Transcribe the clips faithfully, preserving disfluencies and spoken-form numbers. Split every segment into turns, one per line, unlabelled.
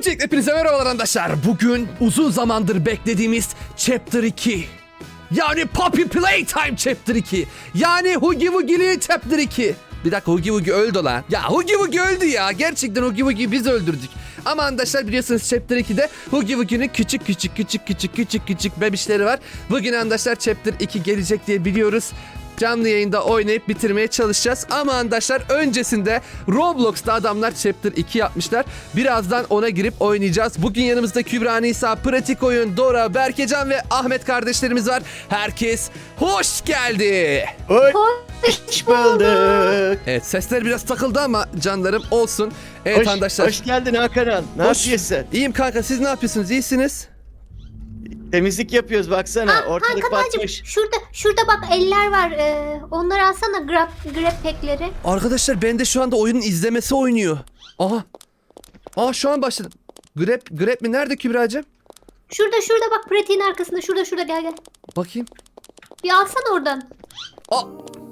Öncelikle hepinize merhabalar arkadaşlar. Bugün uzun zamandır beklediğimiz Chapter iki. Yani Poppy Playtime Chapter iki. Yani Huggy Wuggy'li Chapter iki. Bir dakika, Huggy Wuggy öldü lan. Ya Huggy Wuggy öldü ya. Gerçekten Huggy Wuggy'yi biz öldürdük. Ama arkadaşlar biliyorsunuz Chapter ikide Huggy Wuggy'nin küçük küçük küçük küçük küçük küçük bebişleri var. Bugün arkadaşlar Chapter iki gelecek diye biliyoruz. Canlı yayında oynayıp bitirmeye çalışacağız. Ama arkadaşlar öncesinde Roblox'ta adamlar Chapter iki yapmışlar. Birazdan ona girip oynayacağız. Bugün yanımızda Kübra, Nisa, Pratik Oyun, Dora, Berkecan ve Ahmet kardeşlerimiz var. Herkes hoş geldi.
Hoş bulduk.
Evet, sesler biraz takıldı ama canlarım olsun. Evet
Hoş,
arkadaşlar.
hoş geldin Hakan. Ne
Hoş.
yapıyorsun?
İyiyim kanka, siz ne yapıyorsunuz? İyisiniz?
Temizlik yapıyoruz baksana.
Ha,
Ortalık
Hakan'cığım
batmış.
şurada şurada bak eller var. Ee, onları alsana grab grab pack'leri.
Arkadaşlar bende şu anda oyunun izlemesi oynuyor. Aha. Aa şu an başladım. Grab, grab mi? Nerede Kübra'cığım?
Şurada şurada bak pratiğin arkasında. Şurada şurada gel gel.
Bakayım.
Bir alsana oradan.
Aa.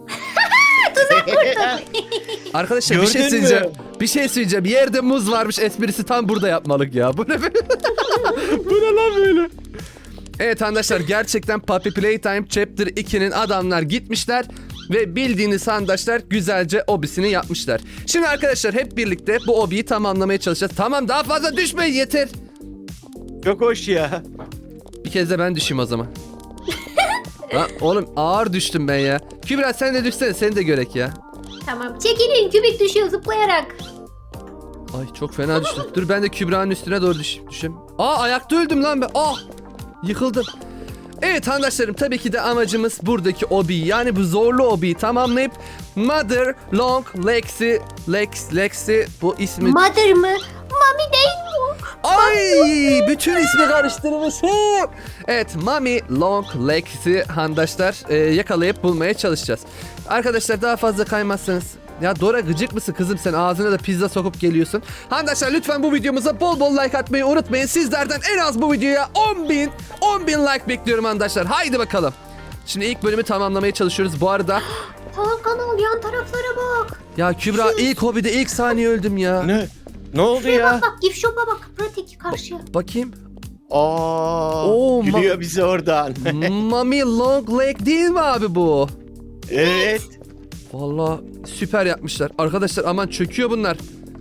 Arkadaşlar bir şey
Gördün
söyleyeceğim.
mü?
Bir şey söyleyeceğim. Yerde muz varmış esprisi tam burada yapmalık ya. Bu ne be? Bu ne lan böyle? Evet arkadaşlar gerçekten Poppy Playtime Chapter ikinin adamlar gitmişler ve bildiğiniz arkadaşlar güzelce obisini yapmışlar. Şimdi arkadaşlar hep birlikte bu obiyi tamamlamaya çalışacağız. Tamam, daha fazla düşmeyin yeter.
Çok hoş ya.
Bir kez de ben düşeyim o zaman. Ha, oğlum ağır düştüm ben ya. Kübra sen de düşsene, seni de görek ya.
Tamam. Çekilin, kübik düşüyor zıplayarak.
Ay çok fena düştüm. Dur ben de Kübra'nın üstüne doğru düş düşeyim. Aa ayakta öldüm lan ben. Ah yıkıldım. Evet arkadaşlarım, tabii ki de amacımız buradaki obiyi, yani bu zorlu obiyi tamamlayıp Mother Long Lex'i Lex Lex'i bu ismi.
Mother mı? Mami değil mi?
Ay bütün ismi karıştırmışım. Evet, Mami Long Lex'i arkadaşlar e, yakalayıp bulmaya çalışacağız. Arkadaşlar daha fazla kaymazsanız. Ya Dora gıcık mısın kızım, sen ağzına da pizza sokup geliyorsun. Arkadaşlar lütfen bu videomuza bol bol like atmayı unutmayın. Sizlerden en az bu videoya on bin on bin like bekliyorum arkadaşlar. Haydi bakalım. Şimdi ilk bölümü tamamlamaya çalışıyoruz. Bu arada
Hakan al, yan taraflara bak.
ya Kübra ilk hobide ilk saniye öldüm ya.
Ne? Ne oldu
Şuraya
ya?
bak bak, gift shop'a bak. Pratik karşıya.
Bakayım.
Aa,
Oo,
gülüyor
ma-
bize oradan.
Mami Long Leg değil mi abi bu?
Evet.
Vallahi süper yapmışlar. Arkadaşlar aman çöküyor bunlar.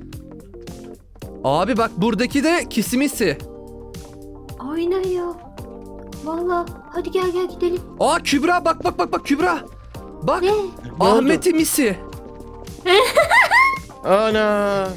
Abi bak buradaki de kisimisi.
Aynen ya. Valla. Hadi gel gel gidelim.
Aa Kübra bak bak bak bak Kübra. Bak
Ne?
Ahmet'in misi.
Ana.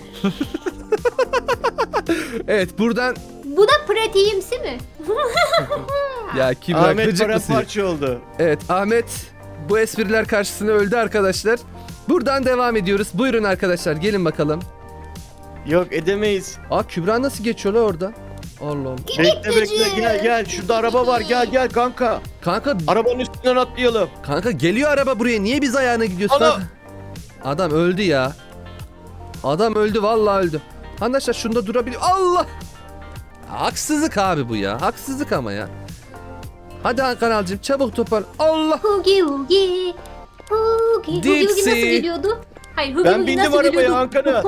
Evet buradan
Bu da pratiğimsi mi?
ya Kübra
Ahmet
gıcık mısın?
paramparça oldu.
Evet Ahmet bu espriler karşısında öldü arkadaşlar. Buradan devam ediyoruz. Buyurun arkadaşlar gelin bakalım.
Yok edemeyiz.
Aa Kübra nasıl geçiyor la orada? Allah Allah.
Bekle bekle gel gel. Şurada araba var, gel gel kanka.
Kanka
Arabanın üstünden atlayalım.
kanka geliyor araba buraya. Niye biz ayağına gidiyorsun?
Ana!
Kanka? Adam öldü ya. Adam öldü vallahi öldü. Arkadaşlar şunda durabiliyor. Allah! Haksızlık abi bu ya. Haksızlık ama ya. Hadi Hakan Alcım çabuk topar. Allah!
Hugi Hugi. Hugi. Hugi Hugi
Dipsy.
nasıl geliyordu? Hayır, Hugi
Ben
Hugi
bindim
nasıl
arabaya
geliyordu?
Hakan'a.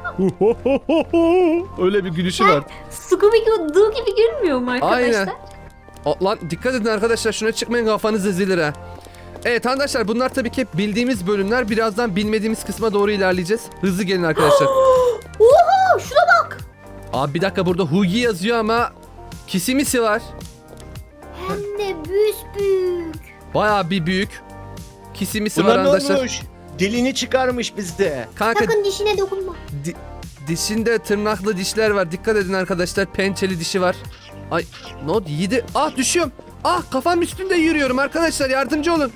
Öyle bir gülüşü var.
Scooby-Doo gibi gülmüyor mu arkadaşlar?
Aynen. O, lan dikkat edin arkadaşlar, şuna çıkmayın, kafanız ezilir ha. Evet arkadaşlar bunlar tabii ki hep bildiğimiz bölümler. Birazdan bilmediğimiz kısma doğru ilerleyeceğiz. Hızlı gelin arkadaşlar.
Oha şuna bak.
Abi bir dakika, burada Hugi yazıyor ama kisimisi var.
Hem de büyük.
Bayağı bir büyük. Kisimisi var
Buna ne
arkadaşlar.
olmuş? Dilini çıkarmış bizde.
Kanka
Sakın dişine dokunma.
di- dişinde tırnaklı dişler var. Dikkat edin arkadaşlar, pençeli dişi var. Ay ne oldu, yedi. Ah düşüyorum. Ah kafam üstünde yürüyorum arkadaşlar, yardımcı olun.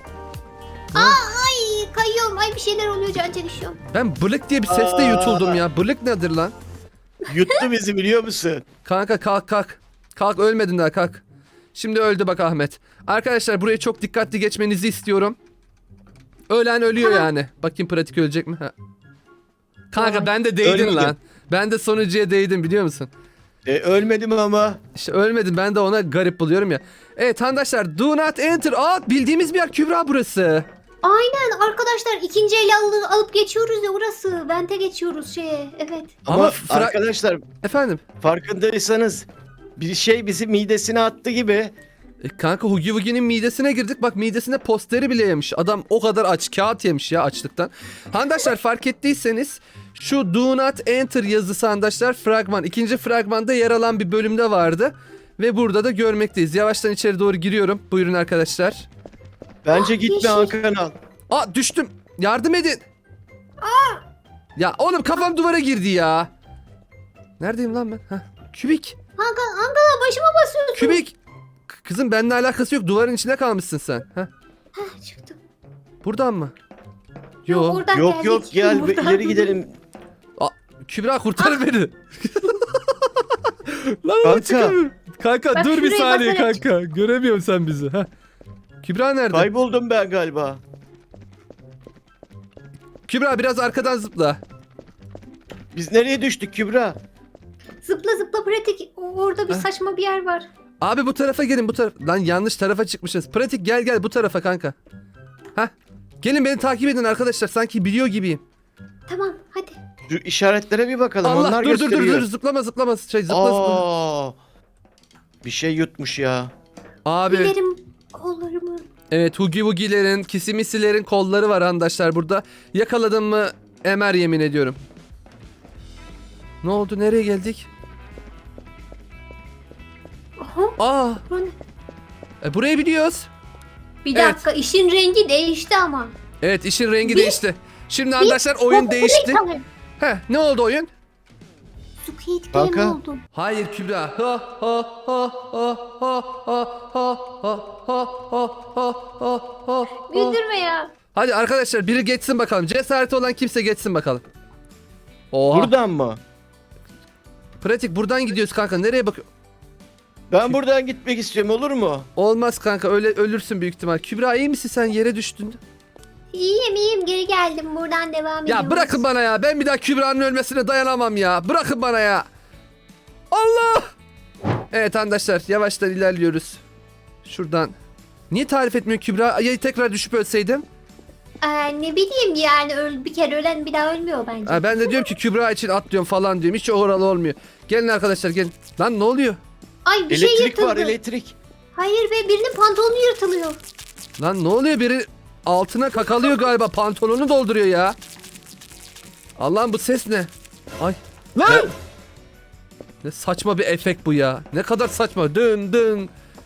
Ay kayıyorum. Ay bir şeyler oluyor, can çekişiyorum.
Ben bılık diye bir sesle
Aa.
yutuldum ya. Bılık nedir lan?
Yuttu bizi biliyor musun?
Kanka kalk kalk. Kalk, ölmedin daha, kalk. Şimdi öldü bak Ahmet. Arkadaşlar burayı çok dikkatli geçmenizi istiyorum. Ölen ölüyor
Tamam.
yani. Bakayım pratik ölecek mi? Ha. Kanka
Tamam.
ben de değdin
Ölmedim.
lan. Ben de sonuncuya değdim biliyor musun?
E, ölmedim ama.
İşte ölmedim, ben de ona garip buluyorum ya. Evet arkadaşlar do not enter. Aa bildiğimiz bir yer Kübra burası.
Aynen arkadaşlar ikinci el alıp, alıp geçiyoruz ya orası. Vente geçiyoruz şeye. Evet.
Ama,
Ama fra-
arkadaşlar
Efendim?
farkındaysanız bir şey bizi midesine attı gibi.
E, kanka Hugi Wugi'nin midesine girdik. Bak midesinde posteri bile yemiş. Adam o kadar aç. Kağıt yemiş ya açlıktan. Handaşlar fark ettiyseniz şu Do Not Enter yazısı handaşlar fragman. İkinci fragmanda yer alan bir bölümde vardı. Ve burada da görmekteyiz. Yavaştan içeri doğru giriyorum. Buyurun arkadaşlar.
Bence
Ah,
gitme
yeşil.
Hakan al.
Aa düştüm. Yardım edin. Ya oğlum kafam duvara girdi ya. Neredeyim lan ben? Heh. Kübik.
Hakan, Hakan başıma basıyorsun.
Kübik. K- Kızım benimle alakası yok. Duvarın içinde kalmışsın sen. Heh.
Heh, çıktım.
Buradan mı?
Yok,
Yok.
oradan
Yok
geldik.
yok gel bir
Buradan.
ileri gidelim.
Kübra kurtar beni. Lan
Kanka.
Kanka. çıkamıyorum. Kanka
Bak
dur bir
şuraya
saniye
basarak
kanka. Göremiyorum sen bizi. Heh. Kübra nerede?
Kayboldum ben galiba.
Kübra biraz arkadan zıpla.
Biz nereye düştük Kübra?
Zıpla zıpla pratik. O- Orada bir
Heh.
saçma bir yer var.
Abi bu tarafa gelin bu taraf. Lan yanlış tarafa çıkmışız. Pratik gel gel bu tarafa kanka. Heh. Gelin beni takip edin arkadaşlar. Sanki biliyor gibiyim.
Tamam hadi.
Şu işaretlere bir bakalım.
Allah
Onlar
dur dur dur
gösteriyor.
dur zıplama zıplama. Şey zıpla zıpla.
Aa, bir şey yutmuş ya.
Abi
Dilerim kollarımı.
evet Hugi Wugi'lerin, Kisimisi'lerin kolları var arkadaşlar burada. Yakaladım mı emer yemin ediyorum. Ne oldu nereye geldik?
Aha.
Aa
bu ne?
e, burayı biliyoruz.
Bir
Evet.
dakika işin rengi değişti ama.
Evet işin rengi
Bir-
değişti. Şimdi arkadaşlar oyun değişti. Heh ne oldu oyun?
Squid
Kanka.
Game oldu.
Hayır Kübra. Ha ha ha ha ha ha ha ha ha ha ha ha ha.
Güldürme ya.
Hadi arkadaşlar biri geçsin bakalım. Cesareti olan kimse geçsin bakalım. Oha.
Buradan mı?
Pratik buradan gidiyoruz kanka. Nereye bakıyor?
Ben buradan gitmek istiyorum olur mu?
Olmaz kanka öyle ölürsün büyük ihtimal. Kübra iyi misin sen yere düştün?
İyiyim iyiyim geri geldim buradan devam ediyoruz.
Ya bırakın bana ya. Ben bir daha Kübra'nın ölmesine dayanamam ya. Bırakın bana ya. Allah! Evet arkadaşlar yavaştan ilerliyoruz. Şuradan. Niye tarif etmiyor Kübra? Ya tekrar düşüp ölseydim?
Ee, ne bileyim yani öl, bir kere ölen bir daha ölmüyor bence.
Ha, ben de diyorum ki Kübra için atlıyorum falan diyorum. Hiç oralı olmuyor. Gelin arkadaşlar gelin. Lan ne oluyor?
Ay bir şey
Elektrik
yırtıldı.
var elektrik.
Hayır be birinin pantolonu yırtılıyor.
Lan ne oluyor? Biri altına kakalıyor galiba. Pantolonu dolduruyor ya. Allah'ım bu ses ne? Ay. Lan!
Ya-
Ne saçma bir efekt bu ya. Ne kadar saçma. Dın dın.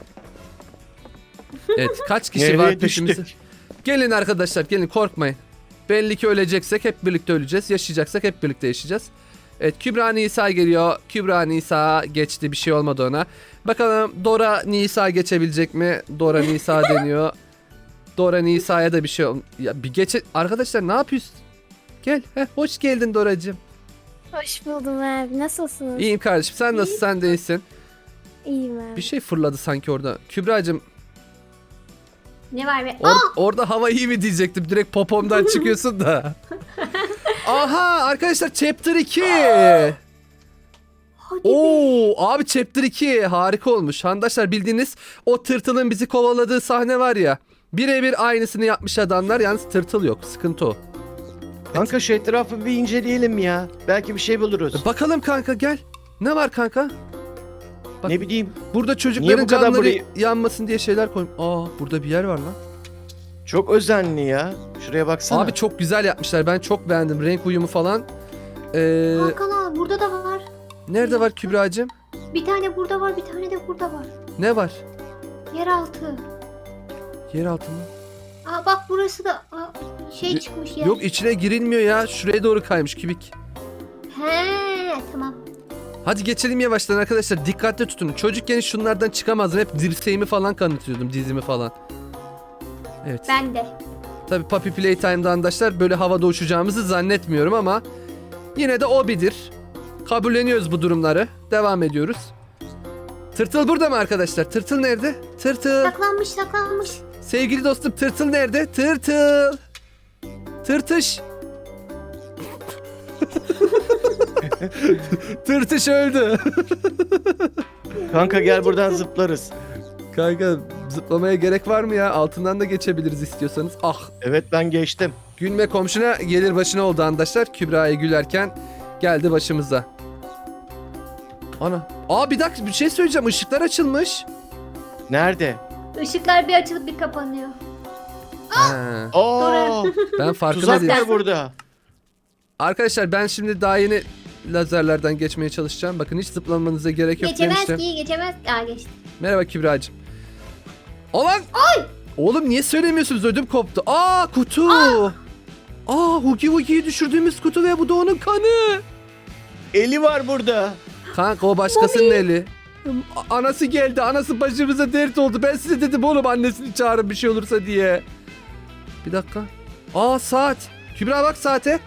Evet kaç kişi var
Nereye
peşimizde?
düştük?
Gelin arkadaşlar gelin korkmayın. Belli ki öleceksek hep birlikte öleceğiz. Yaşayacaksak hep birlikte yaşayacağız. Evet Kübra Nisa geliyor. Kübra Nisa geçti bir şey olmadı ona. Bakalım Dora Nisa geçebilecek mi? Dora Nisa deniyor. Dora Nisa'ya da bir şey ol... Ya bir geçe... Arkadaşlar ne yapıyorsun? Gel. Heh, hoş geldin Doracığım.
Hoş buldum abi. Nasılsınız?
İyiyim kardeşim. Sen nasılsın? Sen de iyisin.
İyiyim abi.
Bir şey fırladı sanki orada. Kübra'cığım
Ne var be?
or-
Aa!
orada hava iyi mi diyecektim. Direkt popomdan çıkıyorsun da. Aha arkadaşlar chapter iki.
Hadi be.
Oo abi chapter iki harika olmuş. Handaşlar bildiğiniz o tırtılın bizi kovaladığı sahne var ya. Birebir aynısını yapmış adamlar. Yalnız tırtıl yok. Sıkıntı o.
Kanka şu etrafı bir inceleyelim ya. Belki bir şey buluruz.
Bakalım kanka gel. Ne var kanka? bak-
Ne bileyim.
Burada
Niye
çocukların
bu kadar
canları
burayı-
yanmasın diye şeyler koymuş. Aa burada bir yer var lan.
Çok özenli ya. Şuraya baksana.
Abi çok güzel yapmışlar. Ben çok beğendim. Renk uyumu falan. Ee,
Hakan abi burada da var.
nerede var Kübra'cığım?
Bir tane burada var bir tane de burada var.
Ne var?
Yeraltı.
Yer altı mı?
Aa bak burası da aa, şey
Y-
çıkmış ya.
Yok içine girilmiyor ya. Şuraya doğru kaymış kübik.
He tamam.
Hadi geçelim yavaştan arkadaşlar. Dikkatli tutun. Çocukken şunlardan çıkamazdım. Hep dirseğimi falan kanıtıyordum. Dizimi falan. Evet.
Ben de.
Tabii Puppy Playtime'da arkadaşlar böyle havada uçacağımızı zannetmiyorum ama yine de o bilir. Kabulleniyoruz bu durumları. Devam ediyoruz. Tırtıl burada mı arkadaşlar? Tırtıl nerede? Tırtıl.
Saklanmış saklanmış.
Sevgili dostum tırtıl nerede? Tırtıl. Tırtış. Tırtış öldü.
Kanka gel buradan zıplarız.
Kanka zıplamaya gerek var mı ya? Altından da geçebiliriz istiyorsanız. Ah,
Evet ben geçtim.
gülme komşuna gelir başına oldu arkadaşlar. Kübra'ya gülerken geldi başımıza. Ana. Aa bir dakika bir şey söyleyeceğim. Işıklar açılmış.
Nerede?
Işıklar bir açılıp bir kapanıyor.
Ha,
Aa,
ben farkında
tuzak
değilim.
var burada.
Arkadaşlar ben şimdi daha yeni lazerlerden geçmeye çalışacağım. Bakın hiç zıplamanıza gerek yok
Geçemez
demiştim.
ki geçemez. Aa geçti.
Merhaba Kübra'cığım. Olan! Ay! Oğlum niye söylemiyorsunuz? Ödüm koptu. Aa kutu! Aa, Hugi Wugi'yi düşürdüğümüz kutu ve bu da onun kanı.
Eli var burada.
Kanka o başkasının eli. A- Anası geldi. Anası başımıza dert oldu. Ben size dedim oğlum annesini çağırın bir şey olursa diye. Bir dakika. Aa saat. Kübra bak saate.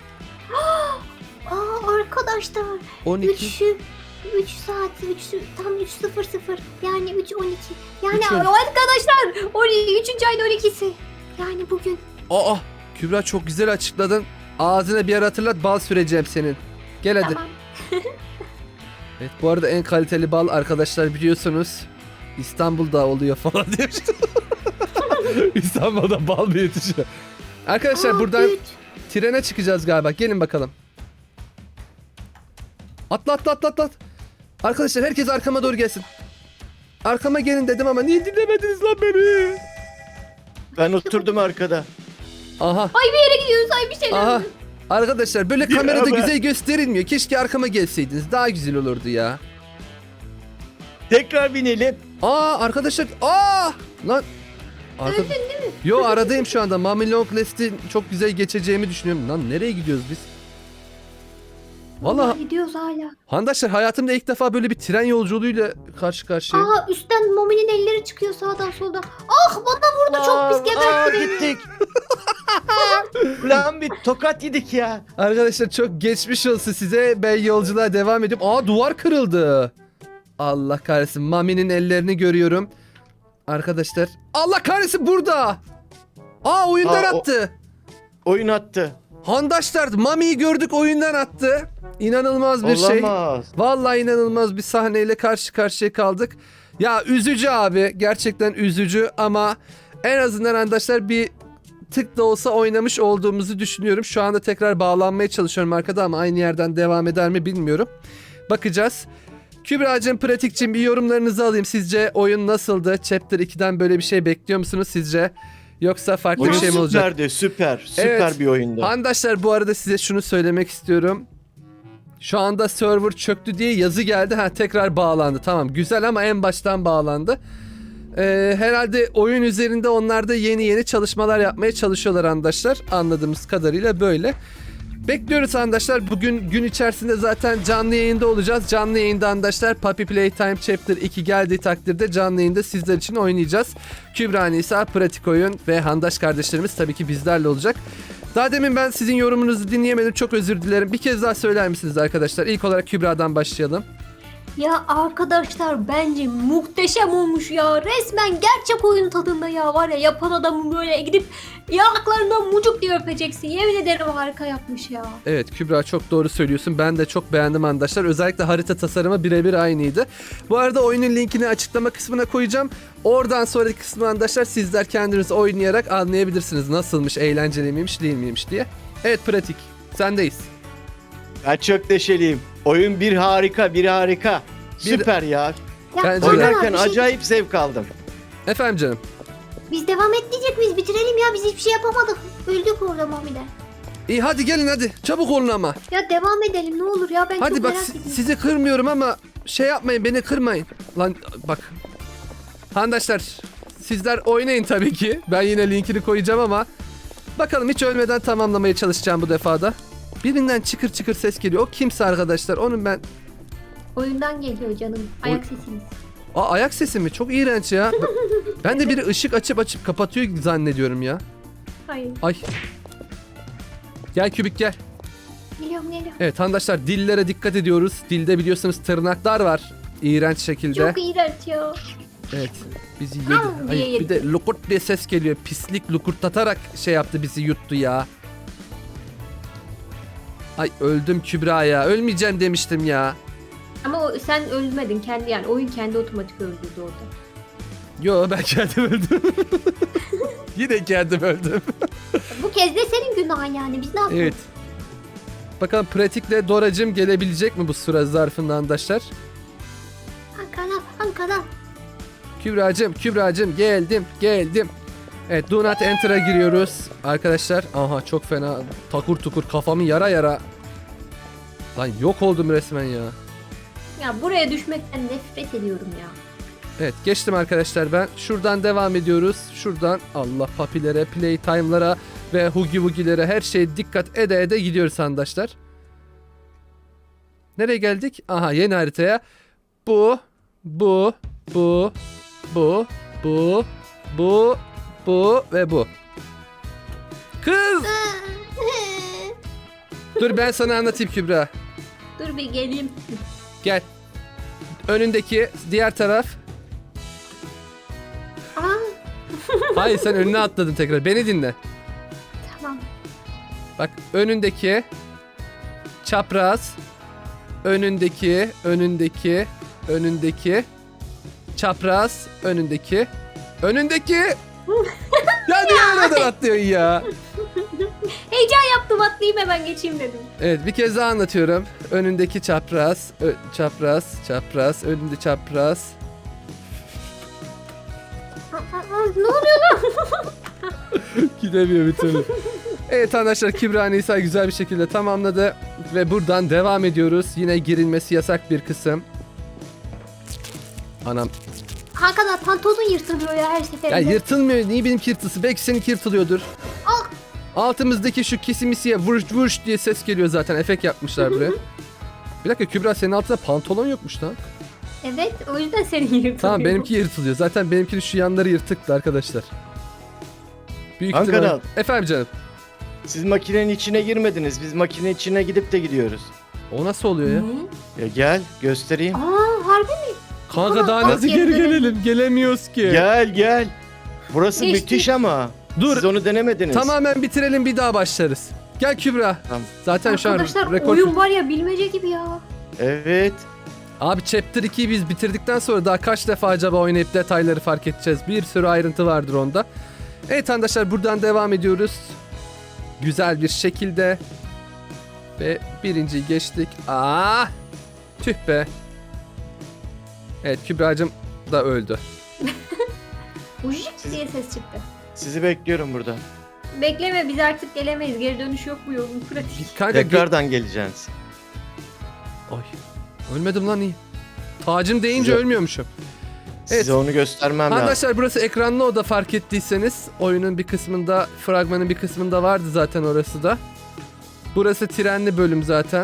Aa arkadaşlar.
on iki.
Üçü. üç saat. üç tam üç sıfır sıfır. Yani üç on iki. Yani
Üç on iki.
arkadaşlar. on iki, üçüncü ayın on ikisi. Yani bugün.
Aa Kübra çok güzel açıkladın. Ağzına bir yer hatırlat bal süreceğim senin. Gel hadi.
Tamam.
Evet bu arada en kaliteli bal arkadaşlar biliyorsunuz İstanbul'da oluyor falan demiştim. İstanbul'da bal mı yetişiyor? Arkadaşlar
Aa,
buradan
güç.
trene çıkacağız galiba. Gelin bakalım. Atla atla atla atla. Arkadaşlar herkes arkama doğru gelsin. Arkama gelin dedim ama niye dinlemediniz lan beni?
Ben oturdum arkada.
Aha
Ay bir yere gidiyoruz. Ay bir şeyler.
aha.
oluyor.
Arkadaşlar böyle
Ya
kamerada
ben-
güzel gösterilmiyor. Keşke arkama gelseydiniz. Daha güzel olurdu ya.
Tekrar binelim.
Aa arkadaşlar aa lan Arka...
Öldün değil mi?
Yo aradayım şu anda. Mami Long Last'i çok güzel geçeceğimi düşünüyorum. Lan nereye gidiyoruz biz? Vallahi
gidiyoruz hala.
handaşlar hayatımda ilk defa böyle bir tren yolculuğuyla karşı karşıya.
Aa üstten Momi'nin elleri çıkıyor sağdan soldan. Ah bana vurdu çok pis
Aa,
gebertti beni.
gittik. Ulan bir tokat yedik ya.
Arkadaşlar çok geçmiş olsun size. Ben yolculuğa devam ediyorum. Aa duvar kırıldı. Allah kahretsin. Mami'nin ellerini görüyorum. Arkadaşlar. Allah kahretsin burada. Aa oyundan
Aa, o-
attı.
Oyun attı.
Handaşlar Mami'yi gördük oyundan attı. İnanılmaz bir şey.
Olamaz.
Vallahi inanılmaz bir sahneyle karşı karşıya kaldık. Ya üzücü abi. Gerçekten üzücü ama en azından arkadaşlar bir tık da olsa oynamış olduğumuzu düşünüyorum. Şu anda tekrar bağlanmaya çalışıyorum arkada ama aynı yerden devam eder mi bilmiyorum. Bakacağız. Kübra'cığım, Pratik'cim bir yorumlarınızı alayım. Sizce oyun nasıldı? Chapter iki'den böyle bir şey bekliyor musunuz sizce? Yoksa farklı
Oyun
bir şey mi olacak?
süperdi, süper. Süper
Evet.
bir oyundu.
Arkadaşlar bu arada size şunu söylemek istiyorum. Şu anda server çöktü diye yazı geldi. Ha tekrar bağlandı. Tamam güzel ama en baştan bağlandı. Ee, herhalde oyun üzerinde onlar da yeni yeni çalışmalar yapmaya çalışıyorlar arkadaşlar. Anladığımız kadarıyla böyle. Bekliyoruz arkadaşlar. Bugün gün içerisinde zaten canlı yayında olacağız. Canlı yayında arkadaşlar Puppy Playtime Chapter iki geldiği takdirde canlı yayında sizler için oynayacağız. Kübra Nisa, Pratik Oyun ve Handaş kardeşlerimiz tabii ki bizlerle olacak. Daha demin ben sizin yorumunuzu dinleyemedim. Çok özür dilerim. Bir kez daha söyler misiniz arkadaşlar? İlk olarak Kübra'dan başlayalım.
Ya arkadaşlar bence muhteşem olmuş ya. Resmen gerçek oyun tadında ya. Var ya yapan adamın böyle gidip yanaklarından mucuk diye öpeceksin. Yemin ederim harika yapmış ya.
Evet Kübra çok doğru söylüyorsun. Ben de çok beğendim arkadaşlar. Özellikle harita tasarımı birebir aynıydı. Bu arada oyunun linkini açıklama kısmına koyacağım. Oradan sonraki kısmı arkadaşlar sizler kendiniz oynayarak anlayabilirsiniz. Nasılmış, eğlenceli miymiş, değil miymiş diye. Evet Pratik, sendeyiz.
Ben çok neşeliyim. Oyun bir harika, bir harika.
Bir-
Süper ya.
Ya
Bence de.
Hakan abi,
Oynarken
bir şey-
acayip zevk aldım.
Efendim canım.
Biz devam etmeyecek miyiz? Bitirelim ya. Biz hiçbir şey yapamadık. Öldük orada Mami'den.
İyi hadi gelin hadi. Çabuk olun ama.
Ya devam edelim ne olur ya. Ben
Hadi
çok
bak
merak
si-
ediyorum.
sizi kırmıyorum ama şey yapmayın beni kırmayın. Lan bak. Arkadaşlar sizler oynayın tabii ki. Ben yine linkini koyacağım ama bakalım hiç ölmeden tamamlamaya çalışacağım bu defada. Birinden çıkır çıkır ses geliyor. O kimse arkadaşlar. Onun ben...
Oyundan geliyor canım. Ayak sesiniz.
Aa ayak sesi mi? Çok iğrenç ya. Ben de biri ışık açıp açıp kapatıyor zannediyorum ya.
Hayır.
Ay. Gel Kübik gel.
Geliyorum geliyorum.
Evet arkadaşlar dillere dikkat ediyoruz. Dilde biliyorsunuz tırnaklar var. İğrenç şekilde.
Çok iğrenç ya.
Evet. Bizi yedi.
Am diye
Ay,
yedi.
bir de lukurt diye ses geliyor. Pislik lukurtlatarak şey yaptı bizi yuttu ya. Ay öldüm Kübra ya. Ölmeyeceğim demiştim ya.
Ama o, sen ölmedin kendi yani. Oyun kendi otomatik öldürdü orada.
Yo ben kendim öldüm. Yine kendim öldüm.
Bu kez de senin günahın yani. Biz ne yapalım?
Evet. Bakalım pratikle Doracım gelebilecek mi bu süre zarfında arkadaşlar?
Ankara, Ankara.
Kübra'cım, Kübra'cım geldim, geldim. Evet, do not enter'a giriyoruz arkadaşlar. Aha çok fena takur tukur kafamı yara yara. Lan yok oldum resmen ya.
Ya buraya düşmekten nefret ediyorum ya.
Evet geçtim arkadaşlar ben. Şuradan devam ediyoruz. Şuradan Allah papilere, playtime'lara ve hugi wugilere her şeye dikkat ede ede gidiyoruz arkadaşlar. Nereye geldik? Aha yeni haritaya. Bu, bu, bu, bu, bu, bu, bu ve bu. Kız! Dur ben sana anlatayım Kübra.
Dur bir geleyim.
Gel. Önündeki diğer taraf.
Aa,
Hayır sen önüne atladın tekrar. Beni dinle.
tamam.
Bak önündeki çapraz, önündeki, önündeki, önündeki, çapraz, önündeki, önündeki. Ya niye oradan atlıyorsun ya?
Heyecan yaptım, atlayayım hemen geçeyim dedim.
Evet bir kez daha anlatıyorum. Önündeki çapraz, ö- çapraz, çapraz, önünde çapraz.
Aa, aa, ne oluyor lan?
Gidemiyor bir türlü. Evet arkadaşlar Kübra Nisa güzel bir şekilde tamamladı. Ve buradan devam ediyoruz. Yine girilmesi yasak bir kısım. Anam.
Hakikaten pantolon yırtılıyor ya her
Ya
seferinde.
yırtılmıyor. Niye benimki yırtılsın? Belki seninki yırtılıyordur.
Al.
Altımızdaki şu kesimisiye vuruş vuruş diye ses geliyor zaten. Efekt yapmışlar buraya. Bir dakika Kübra senin altında pantolon yokmuş lan.
Evet, o yüzden senin yırtılıyor.
Tamam benimki yırtılıyor. Zaten benimkinin şu yanları yırtıktı arkadaşlar. Büyük
Ankara.
ihtimal. Efendim canım.
Siz makinenin içine girmediniz. Biz makinenin içine gidip de gidiyoruz.
O nasıl oluyor ya?
Ne?
Ya gel göstereyim.
Aa, harbi mi?
Kanka
Ama
daha
alt
nasıl geri
yerine-
gelelim? Gelemiyoruz ki.
Gel gel. Burası
Geçtik.
müthiş ama.
Dur.
Siz onu denemediniz.
Tamamen bitirelim bir daha başlarız. Gel Kübra.
Tamam.
Zaten şu an
Arkadaşlar
rekor.
oyun var ya, bilmece gibi ya.
Evet.
Abi Chapter ikiyi biz bitirdikten sonra daha kaç defa acaba oynayıp detayları fark edeceğiz. Bir sürü ayrıntı vardır onda. Evet arkadaşlar buradan devam ediyoruz. Güzel bir şekilde. Ve birinciyi geçtik. Aa! Tüh be. Evet Kübra'cığım da öldü.
Ujik diye ses çıktı.
Sizi bekliyorum burada.
Bekleme, biz artık gelemeyiz. Geri dönüş yok bu yolun, pratik.
Kanka ge-
Tekrardan geleceğiz.
Ay. Ölmedim lan iyi. Tacım deyince
Size-
ölmüyormuşum.
Size
Evet.
onu göstermem lazım.
Arkadaşlar burası ekranlı oda fark ettiyseniz. Oyunun bir kısmında, fragmanın bir kısmında vardı zaten orası da. Burası trenli bölüm zaten.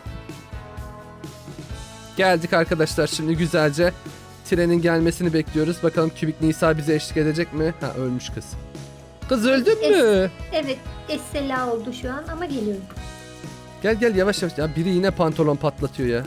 Geldik arkadaşlar şimdi güzelce. Trenin gelmesini bekliyoruz. Bakalım Kübik Nisa bize eşlik edecek mi? Ha ölmüş kız. Kız öldün mü?
Evet, essela oldu şu an ama geliyorum.
Gel gel yavaş yavaş. Ya biri yine pantolon patlatıyor ya.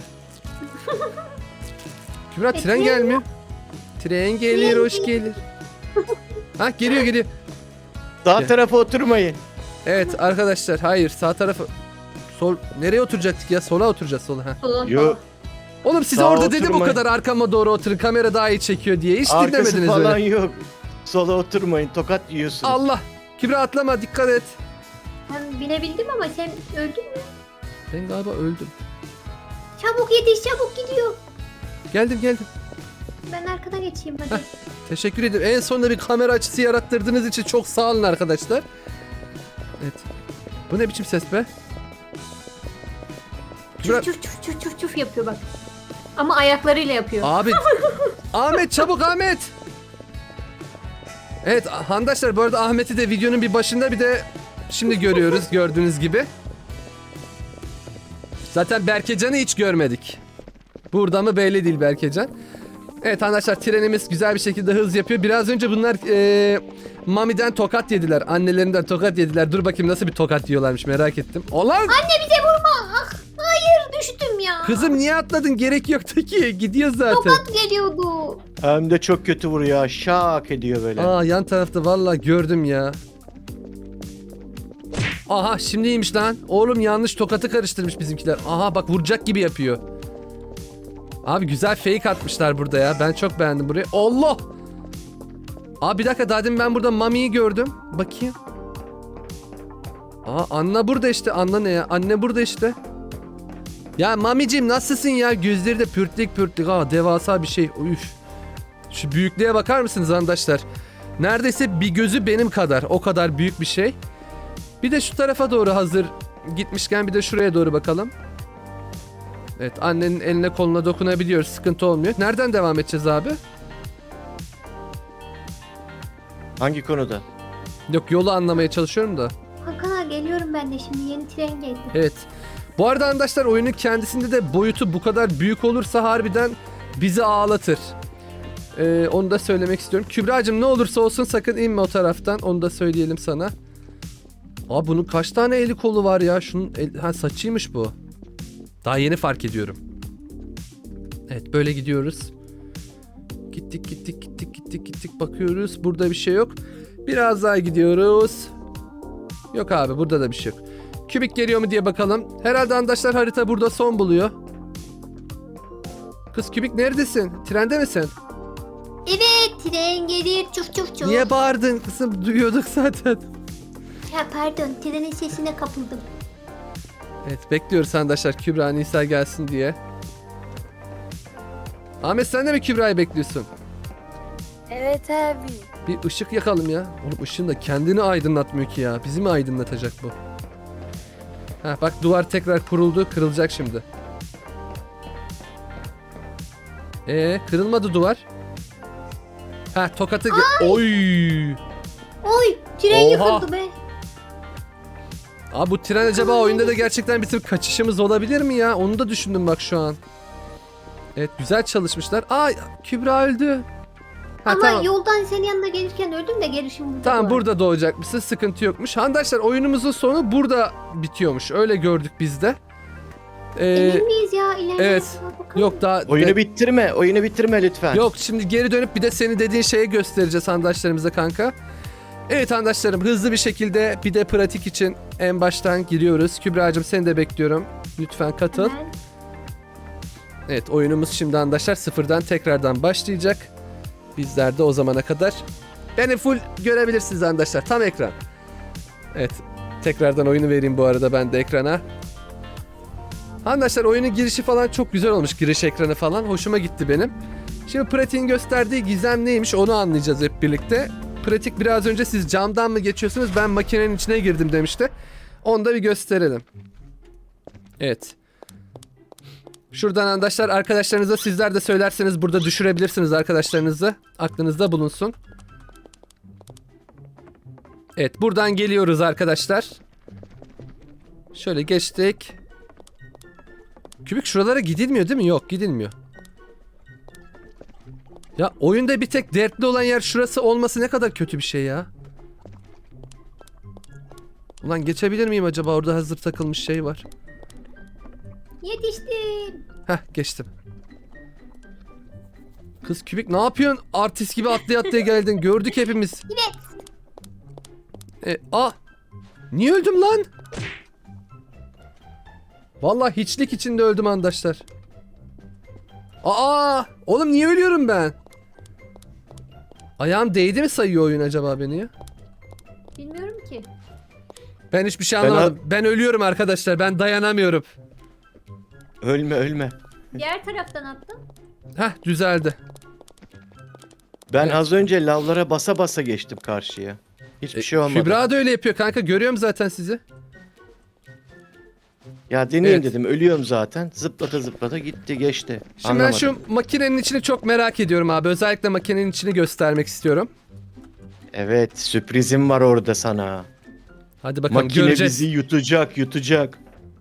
Kübra
E,
tren
tren
gelmiyor. Tren gelir
Tren
hoş gelir. Ha geliyor geliyor.
Sağ
Gel.
tarafa oturmayın.
Evet arkadaşlar hayır sağ tarafı sol nereye oturacaktık ya sola oturacağız sola ha.
Sola,
Yo.
sola.
Oğlum size
Sağa
orada dedim o
oturmayın.
kadar arkama doğru oturun kamera daha iyi çekiyor diye hiç
Arkası
dinlemediniz
falan
öyle.
yok. Sola oturmayın. Tokat yiyorsunuz.
Allah Kübra atlama dikkat et.
Ben binebildim ama sen öldün mü?
Ben galiba öldüm.
Çabuk yetiş, çabuk gidiyor.
Geldim geldim.
Ben arkada geçeyim hadi.
Teşekkür ederim. En sonunda bir kamera açısı yarattırdığınız için çok sağ olun arkadaşlar. Evet. Bu ne biçim ses be? Kübra...
Çuf çuf çuf çuf çuf çuf yapıyor bak. Ama ayaklarıyla yapıyor.
Abi. Ahmet çabuk Ahmet. Evet handaşlar bu arada Ahmet'i de videonun bir başında bir de şimdi görüyoruz gördüğünüz gibi. Zaten Berkecan'ı hiç görmedik. Burada mı belli değil Berkecan. Evet arkadaşlar trenimiz güzel bir şekilde hız yapıyor. Biraz önce bunlar eee Mami'den tokat yediler. Annelerinden tokat yediler. Dur bakayım nasıl bir tokat yiyorlarmış merak ettim. Olan
Anne bize vurma. Ah, hayır düştüm ya.
kızım niye atladın? Gerek yoktu ki. Gidiyor zaten.
Tokat geliyordu.
Hem de çok kötü vuruyor. Şak ediyor böyle.
Aa yan tarafta vallahi gördüm ya. Aha şimdiymiş lan. Oğlum yanlış tokatı karıştırmış bizimkiler. Aha bak vuracak gibi yapıyor. Abi güzel fake atmışlar burada ya. Ben çok beğendim burayı. Allah! Aa bir dakika, daha demin ben burada Mami'yi gördüm. Bakayım. Aa Anna burada işte. Anna ne ya? Anne burada işte. Ya Mami'cim nasılsın ya? Gözleri de pürtlük pürtlük. Aa devasa bir şey. Üf. Şu büyüklüğe bakar mısınız arkadaşlar? Neredeyse bir gözü benim kadar. O kadar büyük bir şey. Bir de şu tarafa doğru hazır gitmişken bir de şuraya doğru bakalım. Evet, annenin eline koluna dokunabiliyoruz. Sıkıntı olmuyor. Nereden devam edeceğiz abi?
Hangi konuda?
Yok, yolu anlamaya çalışıyorum da.
Hakan ağa geliyorum ben de şimdi yeni tren geldi.
Evet. Bu arada arkadaşlar oyunun kendisinde de boyutu bu kadar büyük olursa harbiden bizi ağlatır. Ee, onu da söylemek istiyorum. Kübra'cığım ne olursa olsun sakın inme o taraftan. Onu da söyleyelim sana. Aa bunun kaç tane eli kolu var ya? Şunun el... ha, saçıymış bu. Daha yeni fark ediyorum. Evet böyle gidiyoruz. Gittik gittik gittik gittik gittik bakıyoruz. Burada bir şey yok. Biraz daha gidiyoruz. Yok abi, burada da bir şey yok. Kübik geliyor mu diye bakalım. Herhalde arkadaşlar harita burada son buluyor. Kız Kübik neredesin? Trende misin?
Evet tren gelir çuf çuf çuf.
Niye bağırdın kızım? Duyuyorduk zaten.
Ya pardon trenin sesine kapıldım.
Evet bekliyoruz arkadaşlar Kübra Nisa gelsin diye. Ahmet sen de mi Kübra'yı bekliyorsun?
Evet abi.
Bir ışık yakalım ya. Oğlum ışığın da kendini aydınlatmıyor ki ya. Bizi mi aydınlatacak bu? Ha bak duvar tekrar kuruldu. Kırılacak şimdi. Ee kırılmadı duvar. Ha tokatı... Oy!
Oy tren
Oha.
yıkıldı be.
Abi bu tren acaba oyunda da gerçekten bizim kaçışımız olabilir mi ya? Onu da düşündüm bak şu an. Evet güzel çalışmışlar. Aa Kübra öldü. Ha,
Ama
tamam.
yoldan senin yanına gelirken öldüm de gelişim burada.
Tamam
var.
burada doğacakmışsın, sıkıntı yokmuş. Arkadaşlar oyunumuzun sonu burada bitiyormuş. Öyle gördük biz de. Ee,
Emin miyiz ya? İleride
evet.
bakalım.
yok daha...
Oyunu
de-
bitirme, oyunu bitirme lütfen.
Yok şimdi geri dönüp bir de senin dediğin şeyi göstereceğiz arkadaşlarımıza kanka. Evet arkadaşlarım hızlı bir şekilde bir de pratik için en baştan giriyoruz. Kübra'cığım seni de bekliyorum. Lütfen katıl.
Hemen.
Evet oyunumuz şimdi arkadaşlar sıfırdan tekrardan başlayacak. Bizler de o zamana kadar beni full görebilirsiniz arkadaşlar. Tam ekran. Evet. Tekrardan oyunu vereyim bu arada ben de ekrana. Arkadaşlar oyunun girişi falan çok güzel olmuş. Giriş ekranı falan. Hoşuma gitti benim. Şimdi pratiğin gösterdiği gizem neymiş onu anlayacağız hep birlikte. Pratik biraz önce siz camdan mı geçiyorsunuz? Ben makinenin içine girdim demişti. Onu da bir gösterelim. Evet. Şuradan arkadaşlar arkadaşlarınıza sizler de söylerseniz burada düşürebilirsiniz arkadaşlarınızı. Aklınızda bulunsun. Evet buradan geliyoruz arkadaşlar. Şöyle geçtik. Kübik şuralara gidilmiyor değil mi? Yok gidilmiyor. Ya oyunda bir tek dertli olan yer şurası olması ne kadar kötü bir şey ya. Ulan geçebilir miyim acaba? Orada hazır takılmış şey var.
Yetiştim.
Heh geçtim. Kız Kübik ne yapıyorsun? Artist gibi atlaya atlaya geldin. Gördük hepimiz.
Evet.
E, a niye öldüm lan? Vallahi hiçlik içinde öldüm arkadaşlar. Aa, oğlum niye ölüyorum ben? Ayağım değdi mi sayıyor oyun acaba beni ya?
Bilmiyorum ki.
Ben hiçbir şey
Ben
anlamadım. Ben, ölüyorum arkadaşlar. Ben dayanamıyorum.
Ölme ölme.
Diğer taraftan attım.
Heh düzeldi.
Ben
Evet.
az önce lavlara basa basa geçtim karşıya. Hiçbir şey olmadı.
Kübra da öyle yapıyor kanka. Görüyorum zaten sizi.
Ya deneyeyim
Evet.
dedim. Ölüyorum zaten. Zıplata zıplata gitti geçti.
Şimdi
Anlamadım.
ben şu makinenin içini çok merak ediyorum abi. Özellikle makinenin içini göstermek istiyorum.
Evet sürprizim var orada sana.
Hadi bakalım
Makine
göreceğiz.
bizi yutacak yutacak.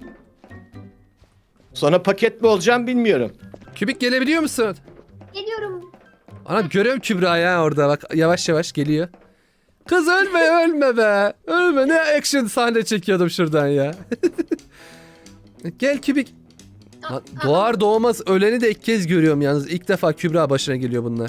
Sonra paket mi olacağım bilmiyorum.
Kübik gelebiliyor musun?
Geliyorum.
Ana görüyorum Kübra ya orada bak yavaş yavaş geliyor. Kız ölme ölme be. Ölme ne action sahne çekiyordum şuradan ya. Gel Kübik.
Aa,
Lan,
aa,
doğar doğmaz öleni de ilk kez görüyorum yalnız. İlk defa Kübra başına geliyor bunlar.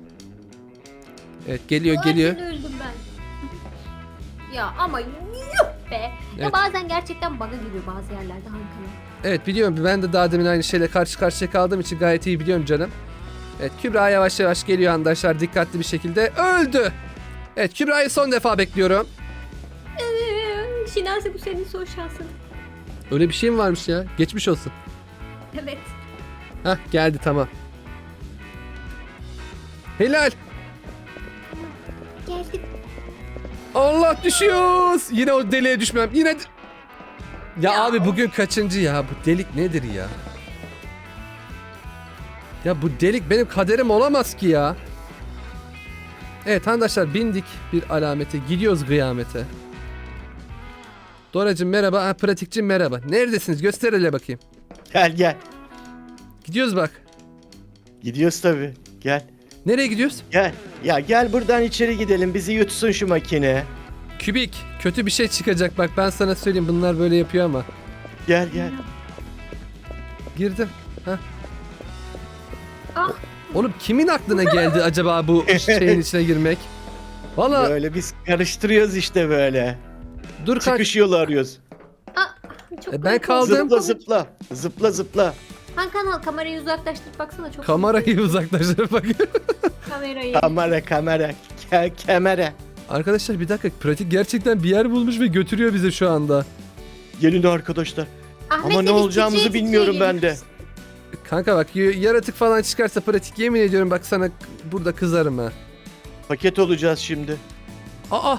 Evet geliyor
Zaten
geliyor.
öldüm ben. Ya ama yuh be.
Evet.
Ya bazen gerçekten bug'a giriyor bazı yerlerde Hakan'ın.
Evet biliyorum ben de daha demin aynı şeyle karşı karşıya kaldığım için gayet iyi biliyorum canım. Evet, Kübra yavaş yavaş geliyor arkadaşlar, dikkatli bir şekilde. Öldü. Evet, Kübra'yı son defa bekliyorum.
Ee, Şinasi, bu senin son şansın.
Öyle bir şey mi varmış ya? Geçmiş olsun.
Evet.
Hah, geldi, tamam. Helal.
Geldim.
Allah, düşüyoruz. Yine o deliğe düşmem. Yine... de- Ya,
Ya.
abi bugün kaçıncı ya? Bu delik nedir ya? Ya bu delik benim kaderim olamaz ki ya. Evet arkadaşlar, bindik bir alamete. Gidiyoruz kıyamete. Doracığım merhaba. Ha, pratikçim merhaba. Neredesiniz? Göster hele bakayım.
Gel gel.
Gidiyoruz bak.
Gidiyoruz tabii. Gel.
Nereye gidiyoruz?
Gel. Ya gel buradan içeri gidelim. Bizi yutsun şu makine.
Kübik. Kötü bir şey çıkacak bak, ben sana söyleyeyim. Bunlar böyle yapıyor ama.
Gel gel.
Girdim. Hah.
Ah,
Oğlum kimin aklına geldi acaba bu şeyin içine girmek? Valla
Böyle biz karıştırıyoruz işte böyle.
dur kanka.
Çıkış yolu arıyoruz.
ah, çok
E, ben
komik
kaldım.
oldu.
Zıpla zıpla. Zıpla zıpla.
Han kanal, kamerayı uzaklaştır baksana, çok
Kamerayı uzaklaştırıp bak.
kamerayı.
Kamera kamera. Ke kamera.
Arkadaşlar bir dakika, pratik gerçekten bir yer bulmuş ve götürüyor bizi şu anda.
Gelin arkadaşlar.
Ahmet,
Ama ne
biz
olacağımızı
titriye
bilmiyorum
titriye
ben de.
geliyoruz.
Kanka bak, y- yaratık falan çıkarsa pratik, yemin ediyorum bak sana k- burada kızarım ha.
Paket olacağız şimdi.
Aa!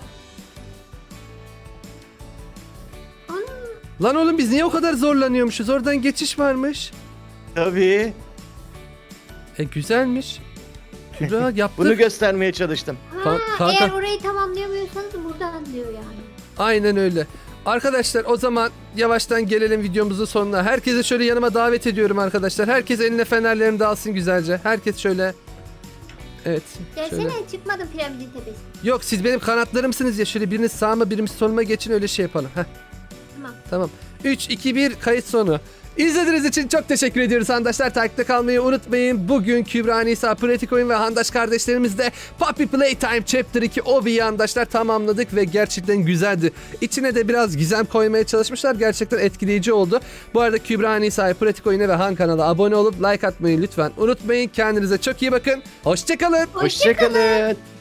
Ana.
Lan oğlum, biz niye o kadar zorlanıyormuşuz? Oradan geçiş varmış.
Tabii.
E güzelmiş. Kübra yaptık.
Bunu göstermeye çalıştım.
Ha,
Kan- kanka-
eğer orayı tamamlayamıyorsanız buradan diyor yani.
Aynen öyle. Arkadaşlar o zaman yavaştan gelelim videomuzun sonuna. Herkese şöyle yanıma davet ediyorum arkadaşlar. Herkes eline fenerlerini de alsın güzelce. Herkes şöyle. Evet.
Gelsene,
Şöyle.
çıkmadım piramidin tepesi.
Yok, siz benim kanatlarımsınız ya. Şöyle biriniz sağıma, birimiz soluma geçin, öyle şey yapalım. Heh.
Tamam.
Tamam. üç, iki, bir kayıt sonu. İzlediğiniz için çok teşekkür ediyoruz arkadaşlar. Takipte kalmayı unutmayın. Bugün Kübra, Nisa, Pratik Oyun ve Handaş kardeşlerimizle Puppy Playtime Chapter iki O B'yi arkadaşlar tamamladık ve gerçekten güzeldi. İçine de biraz gizem koymaya çalışmışlar. Gerçekten etkileyici oldu. Bu arada Kübra, Nisa'ya, Pratik Oyun'a ve Han kanala abone olup like atmayı lütfen unutmayın. Kendinize çok iyi bakın. Hoşçakalın.
Hoşçakalın.